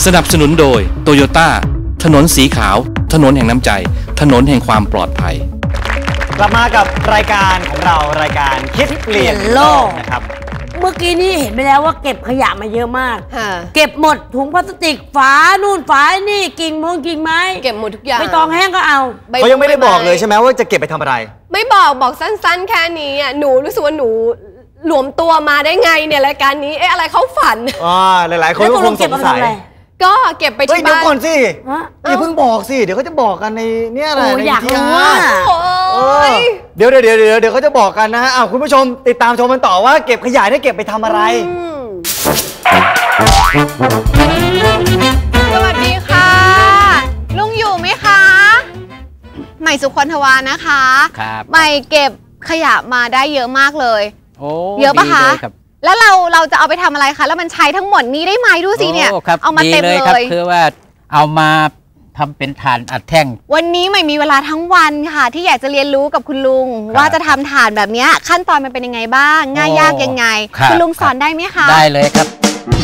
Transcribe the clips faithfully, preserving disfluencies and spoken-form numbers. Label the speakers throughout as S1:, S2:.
S1: สนับสนุนโดยโตโยต้าถนนสีขาวถนนแห่งน้ำใจถนนแห่งความปลอดภัย
S2: กลับมากับรายการของเรารายการคิดเปลี่ยนโลกนะครับ
S3: เมื่อกี้นี้เห็นไปแล้วว่าเก็บขยะมาเยอะมากเก็บหมดถุงพลาสติกฝานู่นฝานี่กิ่งมงกิ่งไม้
S4: เก็บหมดทุกอย่าง
S3: ใบตองแห้งก็เอา
S2: เขายังไม่ได้บอกเลยใช่ไหมว่าจะเก็บไปทำอะไร
S4: ไม่บอกบอกสั้นๆแค่นี้อ่ะหนูรู้สึกว่าหนูหลวมตัวมาได้ไงเนี่ยรายการนี้เอ๊ะอะไรเขาฝัน
S2: อ๋อหลายๆคนก็คงสงสัย
S4: ก็เก็บไปที่บ้าน
S2: เดี๋ยวก่อนสิอย่าเพิ่งบอกสิเดี๋ยวเขาจะบอกกันในเนี่ยอะไร
S3: อยากรู้ว่า
S2: เดี๋ยวเดี๋ยวเดี๋ยวเดี๋ยวเดี๋ยวเขาจะบอกกันนะฮะอ้าวคุณผู้ชมติดตามชมกันต่อว่าเก็บขยะได้เก็บไปทำอะไร
S5: สวัสดีค่ะลุงอยู่ไหมคะใหม่สุคนทวานะคะ
S6: ครับ
S5: ใหม่เก็บขยะมาได้เยอะมากเลย
S6: โอ้
S5: เยอะปะคะแล้วเราเราจะเอาไปทำอะไรคะแล้วมันใช้ทั้งหมดนี้ได้ไหมดูสิเนี่ยเอามาเต็มเลย
S6: คือว่าเอามาทำเป็นถ่านอัดแท่ง
S5: วันนี้ไม่มีเวลาทั้งวันค่ะที่อยากจะเรียนรู้กับคุณลุงว่าจะทำถ่านแบบนี้ขั้นตอนมันเป็นยังไงบ้างง่ายยากยังไงคุณลุงสอนได้ไหมคะ
S6: ได้เลยครับ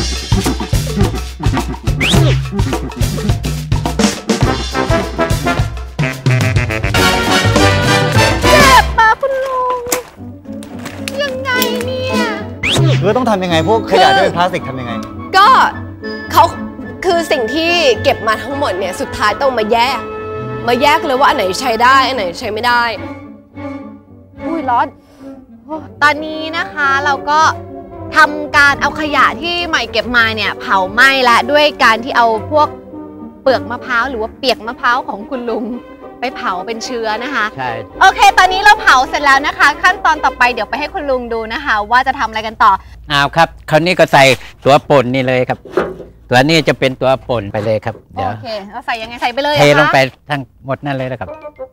S2: คือต้องทำยังไงพวกขยะที่เป็นพลาสติกทำยังไง
S4: ก็เขาคือสิ่งที่เก็บมาทั้งหมดเนี่ยสุดท้ายต้องมาแยกมาแยกเลยว่าอันไหนใช้ได้อันไหนใช้ไม่ได้
S5: อุ้ยร้อนตอนนี้นะคะเราก็ทำการเอาขยะที่ใหม่เก็บมาเนี่ยเผาไหม้ละด้วยการที่เอาพวกเปลือกมะพร้าวหรือว่าเปียกมะพร้าวของคุณลุงไปเผาเป็นเชื้อนะคะ
S6: ใช่
S5: โอเคตอนนี้เราเผาเสร็จแล้วนะคะขั้นตอนต่อไปเดี๋ยวไปให้คุณลุงดูนะคะว่าจะทำอะไรกันต่อ
S6: อ้าวครับคราวนี้ก็ใส่ตัวป่นนี่เลยครับตัวนี้จะเป็นตัวป่นไปเลยครับเดี๋ยว
S5: โอเคเราใส่ยังไงใส่ไปเลย
S6: เทลงไปทั้งหมดนั่นเลยนะครับ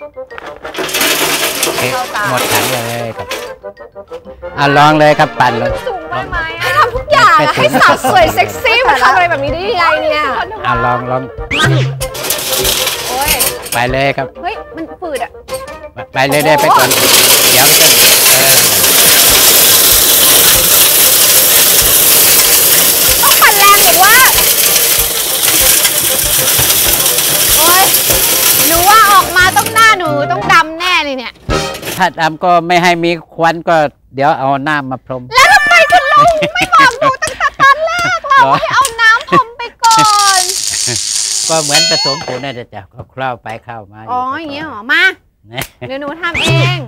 S6: เทหมดถังเลยครับอ่ะลองเลยครับปั่นเลย
S4: สูงไปไหมให้ทำทุกอย่างให้สาวสวยเซ็กซี่มาทำอะไรแบบนี้ได้ยังไงเนี่ย
S6: อ่ะลองลองไปเลยครับ
S5: เฮ้ยมันฝืดอ่ะ
S6: ไปเลยได้ไปก่อนเดี๋ยวมันจะ
S5: ต้องปั่นแรงหรือว่าโอ๊ยหนูว่าออกมาต้องหน้าหนูต้องดำแน่เลยเนี่ย
S6: ถ้าดำก็ไม่ให้มีควันก็เดี๋ยวเอาน้ำมาพรม
S5: แล้วทำไมคุณลุงไม่บอกหนูตั้งแต่ตอนแรกล่ะว่าให้เอาน้ำพรมไปก่อน
S6: ก็เหมือนผสมปูนน่าจะจับก็คล้าไปเข้ามา
S5: อ๋ออย่างเงี้ยหรอมาเดี๋ยวหนูทำเอง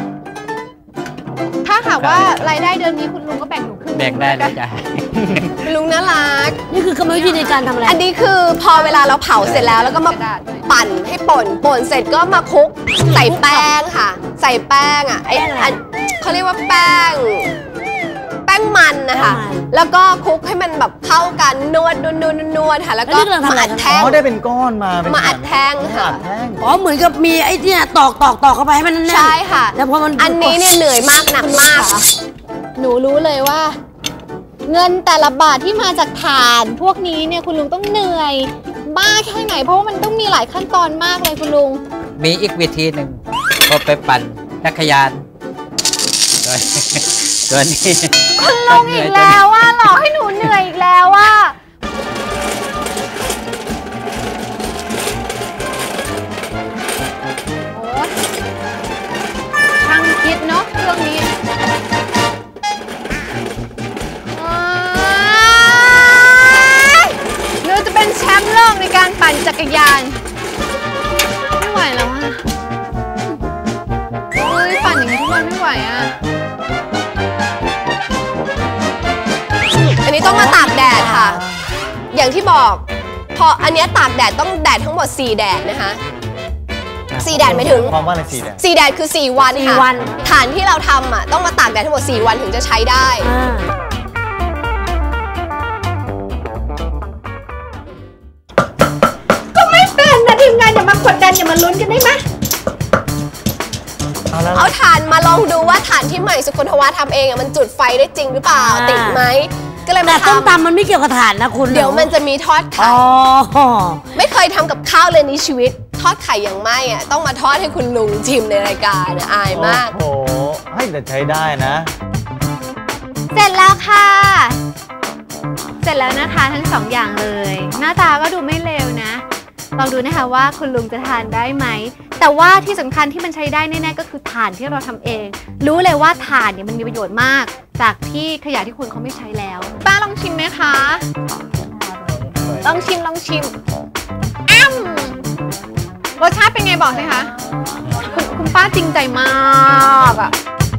S5: ถ้าหากว่ารายได้เดือนนี้คุณลุงก็แบ่งหนูครึ่ง
S6: แบ่งได้เลยจ้ะ
S4: ลุงน่ารัก
S3: นี่คือกรรมวิธีในการทำอะไร
S4: อันนี้คือพอเวลาเราเผาเสร็จแล้วแล้วก็มาปั่นให้ป่นป่นเสร็จก็มาคลุกใส่แป้งค่ะใส่แป้งอ่ะไอ้เขาเรียกว่าแป้งแป้งมันนะคะแล้วก็คลุกให้มันแบบเข้ากันนวดนวดนวดนวดค่ะแล้วก็มาอัดแท่ง
S2: เขาได้เป็นก้อนมา
S4: มาอัดแท่งค่ะ
S3: อ๋อเหมือนกับมีไอ้เนี่ยตอกตอกตอกเข้าไปให้มันแน่น
S4: ใช่ค่ะ
S3: แล้วพอมัน
S4: อันนี้เนี่ยเหนื่อยมากหนักมาก
S5: หนูรู้เลยว่าเงินแต่ละบาทที่มาจากถ่านพวกนี้เนี่ยคุณลุงต้องเหนื่อยมากแค่ไหนเพราะว่ามันต้องมีหลายขั้นตอนมากเลยคุณลุง
S6: มีอีกวิธีหนึ่งก็ไปปั่นจักรยานตัวนี้
S5: คุณลุงอีกแล้วว่าหลอกให้หนูเหนื่อยอีกแล้วว่าโอ้ช่างคิดเนาะเรื่องนี้หนูจะเป็นแชมป์โลกในการปั่นจักรยานไม่ไหวแล้วอ่ะเฮ้ยปั่นอย่างนี้ทุกวันไม่ไหวอ่ะ
S4: อันนี้ต้องมาตากแดดค่ะอย่างที่บอกพออันนี้ตากแดดต้องแดดทั้งหมดสี่แดดนะคะสี่แดดไม่ถึง
S2: ความว่าอะไรสี่แดด
S4: สี่แดดคือสี่วันค่ะฐานที่เราทำอ่ะต้องมาตากแดดทั้งหมดสี่วันถึงจะใช้ได้
S5: ก็ไม่เป็นนะทีมงานอย่ามากดดันอย่ามาลุ้นกันได้ไหม
S4: เอาถ่านมาลองดูว่าถ่านที่ใหม่สุคนทวาทำเองอ่ะมันจุดไฟได้จริงหรือเปล่าติดไหมก็เลยมาทำ
S3: แต่ต้มตำมันไม่เกี่ยวกับถ่านนะคุณ
S4: เดี๋ยวมันจะมีทอดไข่ไม่เคยทำกับข้าวเลยในชีวิตทอดไข่อย่างไม่อ่ะต้องมาทอดให้คุณลุงชิมในรายการอายมาก
S2: โอ้โหให้แต่ใช้ได้นะ
S5: เสร็จแล้วค่ะเสร็จแล้วนะคะทั้งสองอย่างเลย หน้าตาก็ดูไม่เลวนะลองดูนะคะว่าคุณลุงจะทานได้ไหมแต่ว่าที่สำคัญที่มันใช้ได้แน่ๆก็คือถ่านที่เราทำเอง รู้เลยว่าถ่านเนี่ยมันมีประโยชน์มากจากที่ขยะที่คนเขาไม่ใช้แล้วป้าลองชิมไหมคะลองชิมลองชิมอ้ำรสชาติเป็นไงบอกสิคะคุณคุณป้าจริงใจมากอะ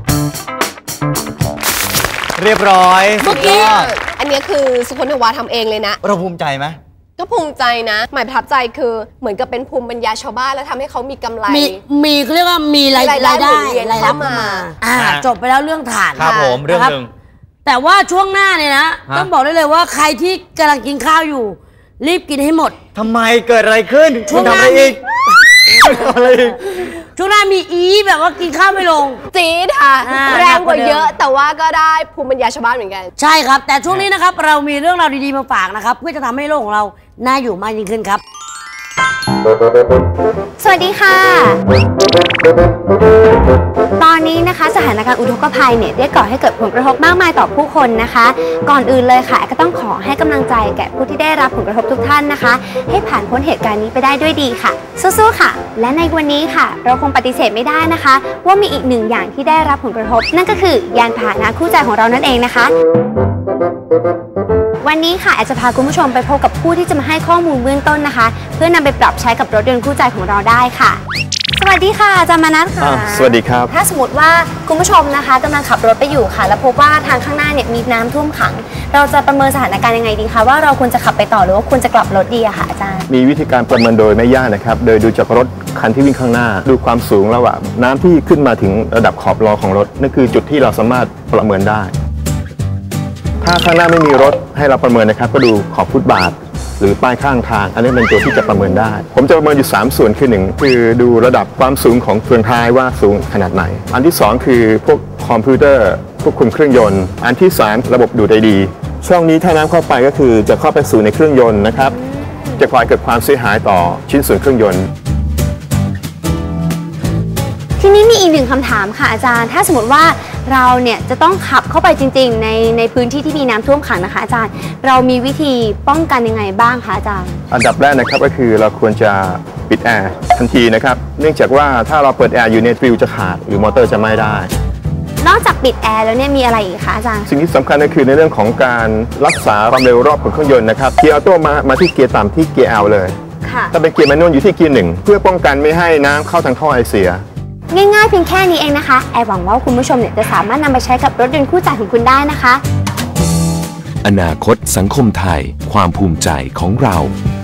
S2: เรียบร้อย
S4: เมื่อกี้อันนี้คือสุคนทวาทำเองเลยนะ
S2: เราภูมิใจไหม
S4: ก็ภูมิใจนะหมายประทับใจคือเหมือนกับเป็นภูมิปัญญาชาวบ้านแล้วทำให้เขามีกำไร
S3: มีมีเขาเรียกว่ามีรายได้รายได้เข้ามาอ่าจบไปแล้วเรื่องถ่าน
S2: ครับผมเรื่องหนึ่ง
S3: แต่ว่าช่วงหน้าเนี่ยนะต้องบอกได้เลยว่าใครที่กำลังกินข้าวอยู่รีบกินให้หมด
S2: ทำไมเกิดอะไรขึ้นช่วงหน้าอีกอะไรอีก
S3: ช่วงหน้ามีอีแบบว่ากินข้าวไม่ลง
S4: จี๊ดค่ะแรงกว่าเยอะแต่ว่าก็ได้ภูมิปัญญาชาวบ้านเหมือนกัน
S3: ใช่ครับแต่ช่วงนี้นะครับเรามีเรื่องราวดีๆมาฝากนะครับเพื่อจะทำให้โลกของเราน่าอยู่มากยิ่งขึ้นครับ
S5: สวัสดีค่ะตอนนี้นะคะสถานการณ์อุทกภัยเนี่ยได้ก่อให้เกิดผลกระทบมากมายต่อผู้คนนะคะก่อนอื่นเลยค่ะก็ต้องขอให้กำลังใจแก่ผู้ที่ได้รับผลกระทบทุกท่านนะคะให้ผ่านพ้นเหตุการณ์นี้ไปได้ด้วยดีค่ะสู้ๆค่ะและในวันนี้ค่ะเราคงปฏิเสธไม่ได้นะคะว่ามีอีกหนึ่งอย่างที่ได้รับผลกระทบนั่นก็คือยานพาหนะคู่ใจของเรานั่นเองนะคะวันนี้ค่ะอาจจะพาคุณผู้ชมไปพบกับผู้ที่จะมาให้ข้อมูลเบื้องต้นนะคะเพื่อนำไปปรับใช้กับรถยนต์คู่ใจของเราได้ค่ะสวัสดีค่ะอาจารย์มนัสค่ะ
S7: สวัสดีครับ
S5: ถ้าสมมติว่าคุณผู้ชมนะคะกำลังขับรถไปอยู่ค่ะแล้วพบว่าทางข้างหน้าเนี่ยมีน้ำท่วมขังเราจะประเมินสถานการณ์ยังไงดีคะว่าเราควรจะขับไปต่อหรือว่าควรจะกลับรถดีอะค่ะอาจารย์
S7: มีวิธีการประเมินโดยไม่ยากนะครับโดยดูจากรถคันที่วิ่งข้างหน้าดูความสูงระหว่างน้ำที่ขึ้นมาถึงระดับขอบล้อของรถนั่นคือจุดที่เราสามารถประเมินได้ถ้าข้างหน้าไม่มีรถให้เราประเมินนะครับก็ดูขอบฟุตบาทหรือป้ายข้างทางอันนี้เป็นตัวที่จะประเมินได้ผมจะประเมินอยู่สามส่วนคือหนึ่งคือดูระดับความสูงของเฟืองท้ายว่าสูงขนาดไหนอันที่สองคือพวกคอมพิวเตอร์ควบคุมเครื่องยนต์อันที่สามระบบดูดไอดีช่องนี้ถ้าน้ำเข้าไปก็คือจะเข้าไปสู่ในเครื่องยนต์นะครับจะก่อให้เกิดความเสียหายต่อชิ้นส่วนเครื่องยนต์
S5: ทีนี้มีอีกหนึ่งคำถามค่ะอาจารย์ถ้าสมมติว่าเราเนี่ยจะต้องขับเข้าไปจริงๆในในพื้นที่ที่มีน้ำท่วมขังนะคะอาจารย์เรามีวิธีป้องกันยังไงบ้างคะอาจารย์
S7: อันดับแรกนะครับก็คือเราควรจะปิดแอร์ทันทีนะครับเนื่องจากว่าถ้าเราเปิดแอร์อยู่ในฟิวจะขาดหรือมอเตอร์จะไม่ได้
S5: นอกจากปิดแอร์แล้วเนี่ยมีอะไรอีกคะอาจารย์
S7: สิ่งที่สำคัญก็คือในเรื่องของการรักษาความเร็วรอบของเครื่องยนต์นะครับเกียร์ออโต้มามาที่เกียร์ต่ำที่เกียร์ L เลยถ้าเป็นเกียร์แมนนวลอยู่ที่เกียร์หนึ่งเพื่อป้องกันไม่ให้น้ำเข้าทางท่อไอเสีย
S5: ง่ายๆเพียงแค่นี้เองนะคะแอร์หวังว่าคุณผู้ชมเนี่ยจะสามารถนำไปใช้กับรถยนต์คู่ใจของคุณได้นะคะ
S8: อนาคตสังคมไทยความภูมิใจของเรา